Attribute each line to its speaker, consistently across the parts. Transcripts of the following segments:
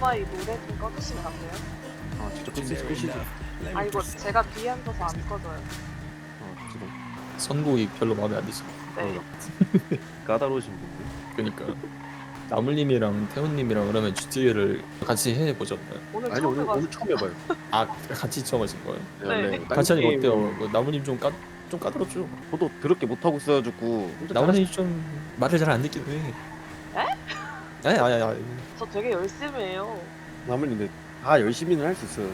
Speaker 1: 오토바이 노래 좀 꺼주시면 안 돼요?
Speaker 2: 아 진짜 끄시지.
Speaker 1: 아 이거 제가 뒤에 앉아서 안 꺼져요.
Speaker 2: 지금
Speaker 3: 선곡이 별로 마음에 안 드시네.
Speaker 1: 네.
Speaker 2: 까다로우신 분들.
Speaker 3: 그러니까 나물님이랑 태훈님이랑 그러면 GTA를 같이 해보셨나요?
Speaker 1: 오늘
Speaker 2: 아니
Speaker 1: 처음
Speaker 2: 오늘
Speaker 1: 해봤어요.
Speaker 2: 처음 해봐요.
Speaker 3: 아 같이 처음 하신 거예요?
Speaker 1: 네.
Speaker 3: 같이 하니까 어때요? 뭐 나물님 좀 까다롭죠?
Speaker 2: 저도 더럽게 못 하고 있어가지고.
Speaker 3: 나물님 좀 말을 잘 안 듣기도 해.
Speaker 1: 에?
Speaker 3: 아니.
Speaker 1: 저 되게 열심히 해요.
Speaker 2: 나물인데 다 열심히는 할 수 있어요.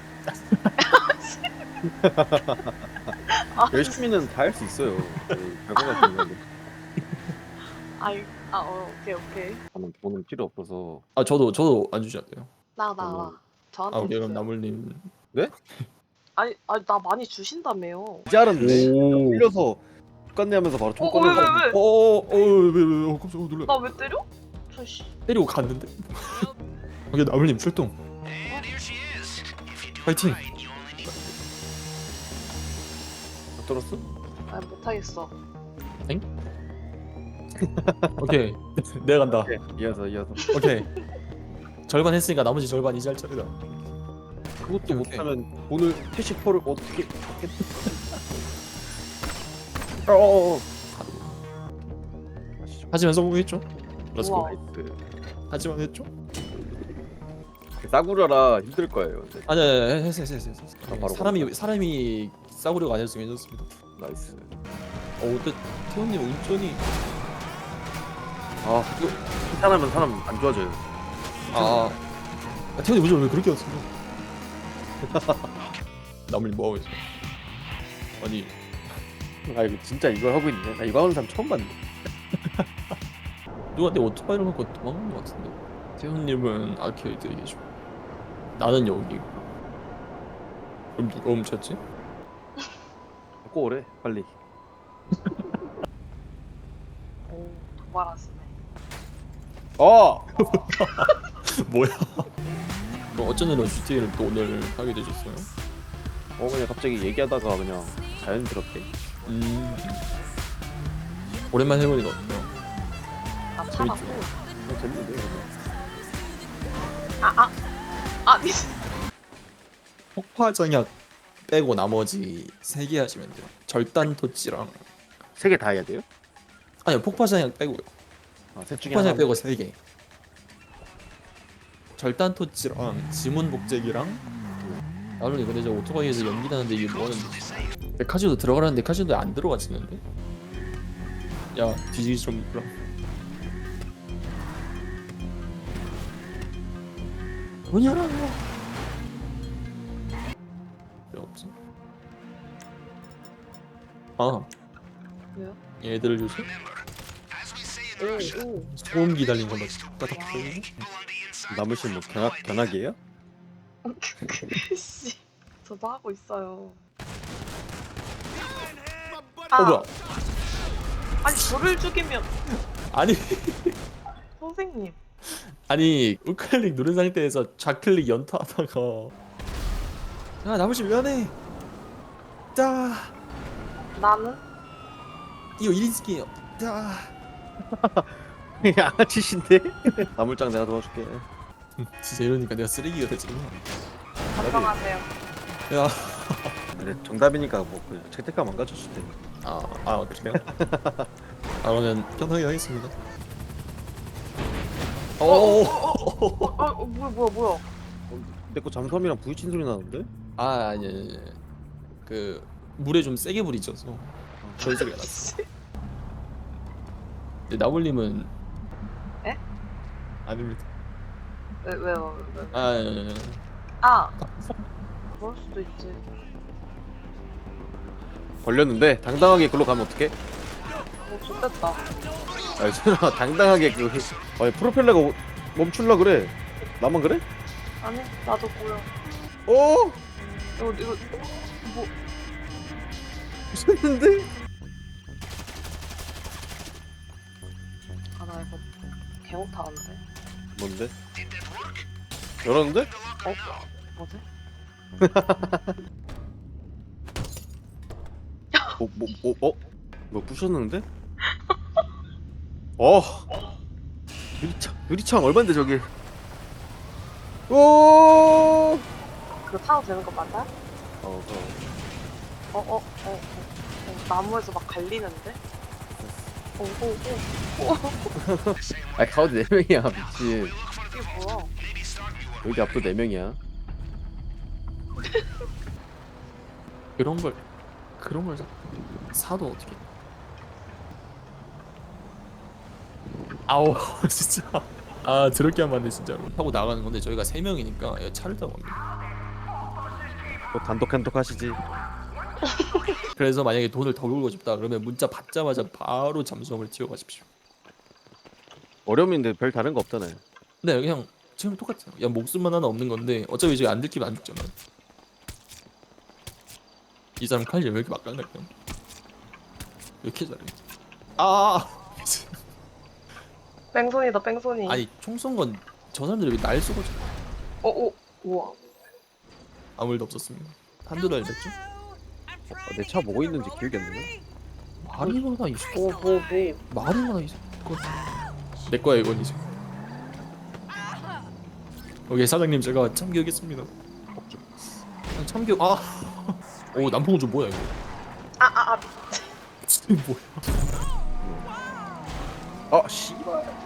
Speaker 2: 근데.
Speaker 1: 아,
Speaker 2: 열심히는 다 할 수 있어요. 별거 같은 건데.
Speaker 1: 오케이.
Speaker 2: 저는 필요 없어서.
Speaker 3: 아 저도 안 주지 않아요.
Speaker 1: 나.
Speaker 3: 아
Speaker 1: 저한테
Speaker 3: 오케이 그럼
Speaker 1: 주세요.
Speaker 3: 나물님.
Speaker 1: 아니 나 많이 주신다며요.
Speaker 2: 이제 알았네.
Speaker 3: 오.
Speaker 2: 흘려서 똑같네하면서 바로 총
Speaker 1: 왜?
Speaker 2: 꺼내서.
Speaker 3: 왜 놀라.
Speaker 1: 나 왜 때려? 저씨.
Speaker 3: 때리고 갔는데? 오케이 나물님 출동. 파이팅.
Speaker 2: 못 들었어?
Speaker 1: 아 못하겠어.
Speaker 3: 오케이 내가 간다.
Speaker 2: 네. 이어서.
Speaker 3: 오케이 절반 했으니까 나머지 절반 이제 할 차례다.
Speaker 2: 그것도
Speaker 3: 오케이.
Speaker 2: 못하면 오늘 캐시퍼를 어떻게?
Speaker 3: 하지만 성공했죠? 렛츠고.
Speaker 1: 우와.
Speaker 2: 나이스.
Speaker 3: 하지만 했죠?
Speaker 2: 싸구려라 힘들 거예요. 근데.
Speaker 3: 아니 했어.
Speaker 2: 바로
Speaker 3: 사람이 싸구려가 아니었으면 괜찮습니다.
Speaker 2: 나이스.
Speaker 3: 근데 태훈님 운전이
Speaker 2: 아 이거 칭찬하면 사람 안 좋아져요.
Speaker 3: 태훈님 운전 왜 그렇게 왔어요? 나물님 뭐 하고 있어? 아니
Speaker 2: 아 이거 진짜 이걸 하고 있네. 나 이거 하는 사람 처음 봤네.
Speaker 3: 누가 내 오토바이를 갖고 도망간 것 같은데. 태훈님은 아케이드에 계시고 나는 여기. 그럼 누가 훔쳤지?
Speaker 2: 갖고 오래 빨리.
Speaker 1: 오 도발하시네.
Speaker 3: 뭐야? 그럼 어쩐 일로 GTA를 또 오늘 하게 되셨어요?
Speaker 2: 그냥 갑자기 얘기하다가 그냥 자연스럽게.
Speaker 3: 오랜만에 해보니까 어때요?
Speaker 1: 아
Speaker 3: 재밌죠?
Speaker 1: 참았고.
Speaker 2: 그냥 재밌는데 그냥.
Speaker 1: 아니.
Speaker 3: 폭파정약 빼고 나머지 3개 하시면 돼요. 절단 토치랑
Speaker 2: 세 개 다 해야 돼요?
Speaker 3: 아니요 폭파정약 빼고요.
Speaker 2: 셋 중에
Speaker 3: 폭파정약
Speaker 2: 하나.
Speaker 3: 빼고 3개. 절단 토치랑 지문 복제기랑 나는 근데 저 오토바이에서 연기 나는데 이게 뭐하는데? 카지오도 들어가라는데 카지오도 안 들어가지는데? 야 뒤지기 좀 그럼. 문 열어. 왜 없지?
Speaker 1: 왜요?
Speaker 3: 얘들 요새
Speaker 1: 오.
Speaker 3: 소음기 달린 거막 따닥 거리고.
Speaker 2: 남으신 뭐 견학이에요?
Speaker 1: 씨. 저도 하고 있어요.
Speaker 3: 뭐야?
Speaker 1: 아니 저를 죽이면
Speaker 3: 아니
Speaker 1: 선생님.
Speaker 3: 아니 우클릭 누른 상태에서 좌클릭 연타하다가 야 나머지 미안해. 자
Speaker 1: 나는
Speaker 3: 이거 1인승이에요. 자
Speaker 2: 양아치신데? 나물장 내가 도와줄게.
Speaker 3: 진짜 이러니까 내가 쓰레기가 되지구나.
Speaker 1: 반성하세요.
Speaker 3: 야
Speaker 2: 그래 정답이니까 뭐그 채택감 안 가졌을 때.
Speaker 3: 그래요? 그러면 편하게 하겠습니다.
Speaker 1: 뭐야?
Speaker 2: 내 거 잠수함이랑 부딪힌 소리 나는데?
Speaker 3: 아니 그 물에 좀 세게 부딪혀서 그런 소리가 났어. 근데 나물님은
Speaker 1: 에?
Speaker 3: 아닙니다.
Speaker 1: 왜요?
Speaker 3: 아
Speaker 1: 그럴 수도 있지.
Speaker 2: 걸렸는데 당당하게 글로 가면 어떡해?
Speaker 1: 좋겠다.
Speaker 2: 아니 설마 당당하게 프로펠러가 멈출라 그래. 나만 그래?
Speaker 1: 아니 나도 보여. 이거 뭐
Speaker 2: 미쳤는데?
Speaker 1: 나 이거 개 못하는데.
Speaker 2: 뭔데? 열었는데?
Speaker 1: 뭐지?
Speaker 2: 뭐 부셨는데? 유리창 얼만데 저게? 오.
Speaker 1: 그거 타도 되는 거 맞아? 나무에서 막 갈리는데? 오.
Speaker 2: 아 가운데 4명이야 미친.
Speaker 1: 이게 뭐야?
Speaker 2: 여기 앞도 4명이야.
Speaker 3: 그런 걸 사도 어떻게? 아우 진짜. 아 저렇게 하면 안 돼 진짜로. 타고 나가는 건데 저희가 3명이니까 차를 타고 갑니다.
Speaker 2: 또 단독 하시지.
Speaker 3: 그래서 만약에 돈을 더 벌고 싶다 그러면 문자 받자마자 바로 잠수함을 튀어가십시오.
Speaker 2: 어려움인데 별 다른 거 없잖아요.
Speaker 3: 네 그냥 지금 똑같아요. 야 목숨만 하나 없는 건데 어차피 저희 안 들키면 안 죽잖아. 이 사람 칼질 왜 이렇게 막강할까? 왜 이렇게 잘해? 아
Speaker 1: 뺑소니다 뺑소니.
Speaker 3: 아니 총 쏜 건 저 사람들이 왜 날 쏘고
Speaker 1: 우와.
Speaker 3: 아무 일도 없었습니다. 한두 달 됐죠?
Speaker 2: 내 차 뭐고 있는지 기억이 안 나네.
Speaker 3: 말이 많아 이 새끼.
Speaker 1: 뭐.
Speaker 3: 말이 많아 이 새끼. 내 거야 이건 이제. 오케이 사장님 제가 참교하겠습니다. 참교 오 남풍우주 뭐야 이거? 이게 뭐야?
Speaker 2: 씨발.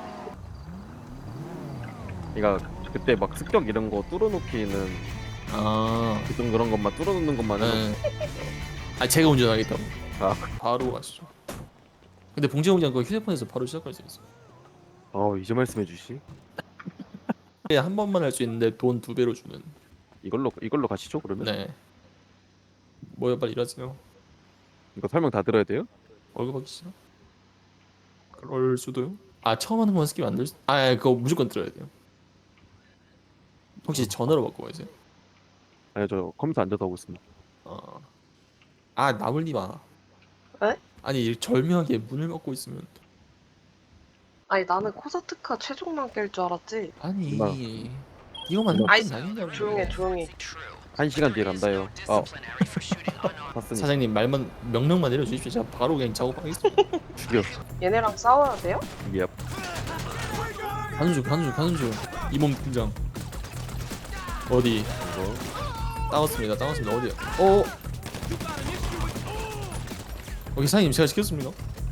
Speaker 2: 그러니까 그때 막 습격 이런 거 뚫어놓기는 그런 것만 뚫어놓는 것만 해도
Speaker 3: 네. 아 제가 운전하겠다고.
Speaker 2: 아.
Speaker 3: 바로 가시죠. 근데 봉제공장 그 휴대폰에서 바로 시작할 수 있어.
Speaker 2: 이제 말씀해 주시.
Speaker 3: 한 번만 할 수 있는데 돈 2배로 주는.
Speaker 2: 이걸로 가시죠 그러면.
Speaker 3: 네. 뭐야 빨리 일하세요.
Speaker 2: 이거 설명 다 들어야 돼요?
Speaker 3: 월급 받기 싫어? 그럴 수도요. 처음 하는 건 스킵 안 될 수. 그거 무조건 들어야 돼요. 혹시 전화로 바꿔 계세요?
Speaker 2: 아니요 저 컴퓨터 앉아서 하고 있습니다.
Speaker 3: 나물님아.
Speaker 1: 에?
Speaker 3: 아니 절묘하게 문을 막고 있으면.
Speaker 1: 아니 나는 코사트카 최종만 깰 줄 알았지.
Speaker 3: 아니
Speaker 2: 누나.
Speaker 3: 이거만
Speaker 2: 누나.
Speaker 1: 아이,
Speaker 3: 아니냐고.
Speaker 1: 조용해.
Speaker 2: 1시간 뒤에 간다요. 봤으니
Speaker 3: 사장님 말만 명령만 내려주십시오. 제가 바로 그냥 작업하겠습니다.
Speaker 2: 죽여.
Speaker 1: 얘네랑 싸워야 돼요?
Speaker 2: 예.
Speaker 3: 가는 중. 이몸 등장. 어디?
Speaker 2: 이거
Speaker 3: 따왔습니다. 어디야? 여기 사장님 제가 시켰습니다.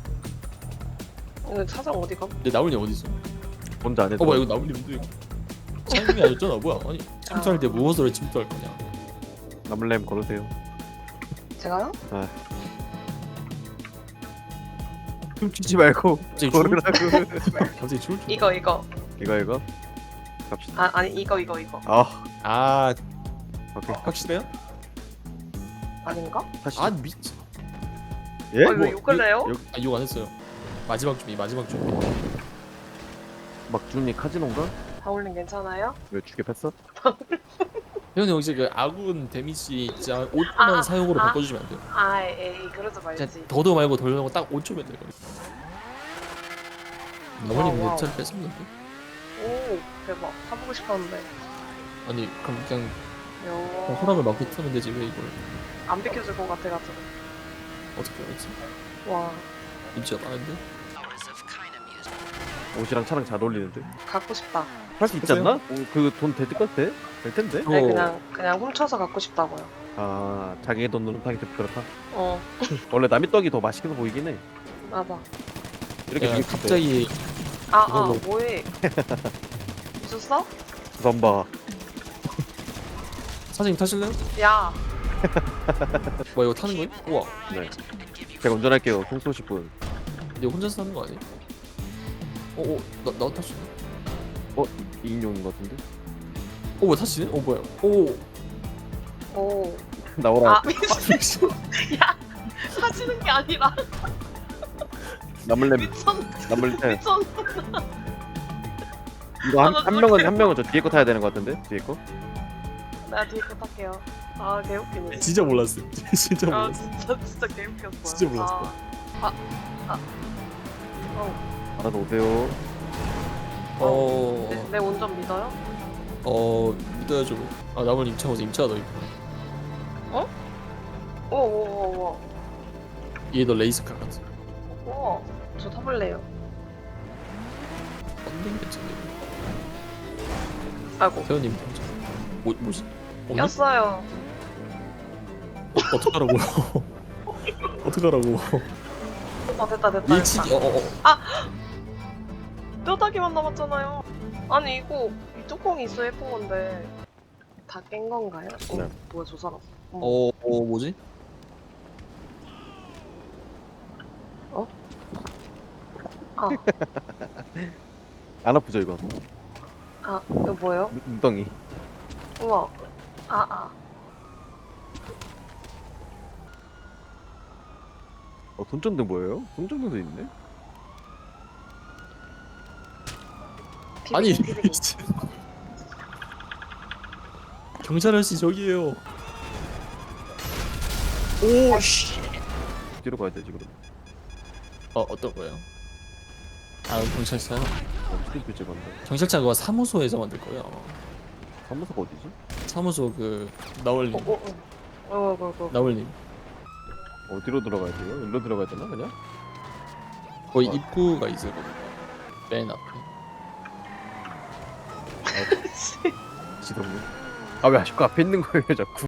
Speaker 1: 오늘 사장 어디가?
Speaker 3: 근데 나물님 어디 있어?
Speaker 2: 혼자 안 해도.
Speaker 3: 뭐야 이거 나물님인데 이거. 사장님이 아니었잖아. 뭐야? 아니 침투할 때 무엇으로 침투할 거냐?
Speaker 2: 남을렘 걸으세요.
Speaker 1: 제가요?
Speaker 2: 춤추지 말고
Speaker 3: 갑자기
Speaker 2: 걸으라고.
Speaker 3: 갑자기 추울 줄.
Speaker 1: 이거
Speaker 2: 이거 갑시다.
Speaker 1: 아니 이거
Speaker 2: 오케이.
Speaker 3: 확실해요?
Speaker 1: 아닌가?
Speaker 2: 다시.
Speaker 3: 미치.
Speaker 2: 예?
Speaker 1: 왜 욕을 해요?
Speaker 3: 욕 안 했어요. 마지막 준비.
Speaker 2: 막준이 카지노인가?
Speaker 1: 다올린 괜찮아요?
Speaker 2: 왜 죽여 팼어?
Speaker 3: 회원님 혹시 그 아군 데미지 진짜 5초만 사용으로 바꿔주시면 안 돼요?
Speaker 1: 에이 그러지 말지.
Speaker 3: 진짜 더도 말고 덜도 말고 딱 5초면 돼요. 나머지
Speaker 1: 와우.
Speaker 3: 내 차를 뺐습니다.
Speaker 1: 오 대박. 타보고 싶었는데.
Speaker 3: 아니 그럼 그냥
Speaker 1: 요.
Speaker 3: 허락을 받고 타면 되지 왜 이걸
Speaker 1: 안 비켜줄 것 같아가지고.
Speaker 3: 어떻게 알았지?
Speaker 1: 와
Speaker 3: 입지가 많은데?
Speaker 2: 옷이랑 차랑 잘 어울리는데.
Speaker 1: 갖고 싶다.
Speaker 2: 할 수 있지 않나? 그 돈 될 텐데? 될 텐데?
Speaker 1: 아니 그냥 훔쳐서 갖고 싶다고요.
Speaker 2: 자기 돈으로 타기 좀 그렇다.
Speaker 1: 원래
Speaker 2: 남의 떡이 더 맛있게 보이긴 해.
Speaker 1: 맞아.
Speaker 2: 이렇게
Speaker 3: 야,
Speaker 2: 죽일 때.
Speaker 3: 갑자기 이걸로.
Speaker 1: 뭐해? 미쳤어?
Speaker 2: 선바.
Speaker 3: 사장님 타실래요?
Speaker 1: 야
Speaker 3: 뭐 이거 타는 거예요? 우와.
Speaker 2: 네. 제가 운전할게요. 송 쏘실 분.
Speaker 3: 근데 혼자서 타는 거 아니에요? 나 탈 수 있네.
Speaker 2: 2인용인 것 같은데?
Speaker 3: 왜 타시네? 뭐야?
Speaker 1: 오.
Speaker 2: 나오라.
Speaker 1: 미친. 야 사지는 게 아니라
Speaker 2: 남을렘. 남을렘.
Speaker 1: 미쳤.
Speaker 2: 이거
Speaker 1: 나
Speaker 2: 한 명은 저 뒤에 거 타야 되는 것 같은데? 뒤에 거?
Speaker 1: 내가 뒤에 거 탈게요. 개웃기네.
Speaker 3: 진짜 몰랐어요. 진짜 몰랐어.
Speaker 1: 진짜 개웃겼어.
Speaker 3: 진짜 몰랐어.
Speaker 2: 알아서 오세요.
Speaker 1: 내 운전 믿어요?
Speaker 3: 믿어야죠. 나물 임차고서 임차가 더 있고.
Speaker 1: 오오오오.
Speaker 3: 얘 너 레이스카 같아.
Speaker 1: 우와. 저 타볼래요.
Speaker 3: 언능 괜찮네.
Speaker 1: 아이고.
Speaker 3: 태연님 먼저. 뭐지? 없네?
Speaker 1: 꼈어요.
Speaker 3: 어떡하라고요? 어떡하라고?
Speaker 1: 됐다 됐다.
Speaker 3: 일치기
Speaker 1: 뼈다귀만 남았잖아요. 아니 이거 이 뚜껑이 있어 예쁜 건데 다 깬 건가요?
Speaker 2: 네.
Speaker 1: 뭐야 저 사람?
Speaker 3: 뭐지?
Speaker 1: 아,
Speaker 2: 안 아프죠 이거?
Speaker 1: 이거 뭐예요?
Speaker 2: 눈덩이.
Speaker 1: 우와. 아.
Speaker 2: 손전등 뭐예요? 손전등도 있네?
Speaker 3: 아니
Speaker 1: 비비기.
Speaker 3: 경찰 아저씨 저기에요. 오씨.
Speaker 2: 뒤로 가야 되지 그럼.
Speaker 3: 어떤 거예요? 경찰차요?
Speaker 2: 스티브 찍었네.
Speaker 3: 경찰차 그거 사무소에서 만들 거예요. 아마.
Speaker 2: 사무소가 어디지?
Speaker 3: 사무소 나월님. 나월님.
Speaker 2: 어디로 들어가야 돼요? 일로 들어가야 되나 그냥?
Speaker 3: 거의 입구가 있을 겁니다. 맨 앞에.
Speaker 2: 지동님. 아 왜 아직도 앞에 있는 거예요 자꾸?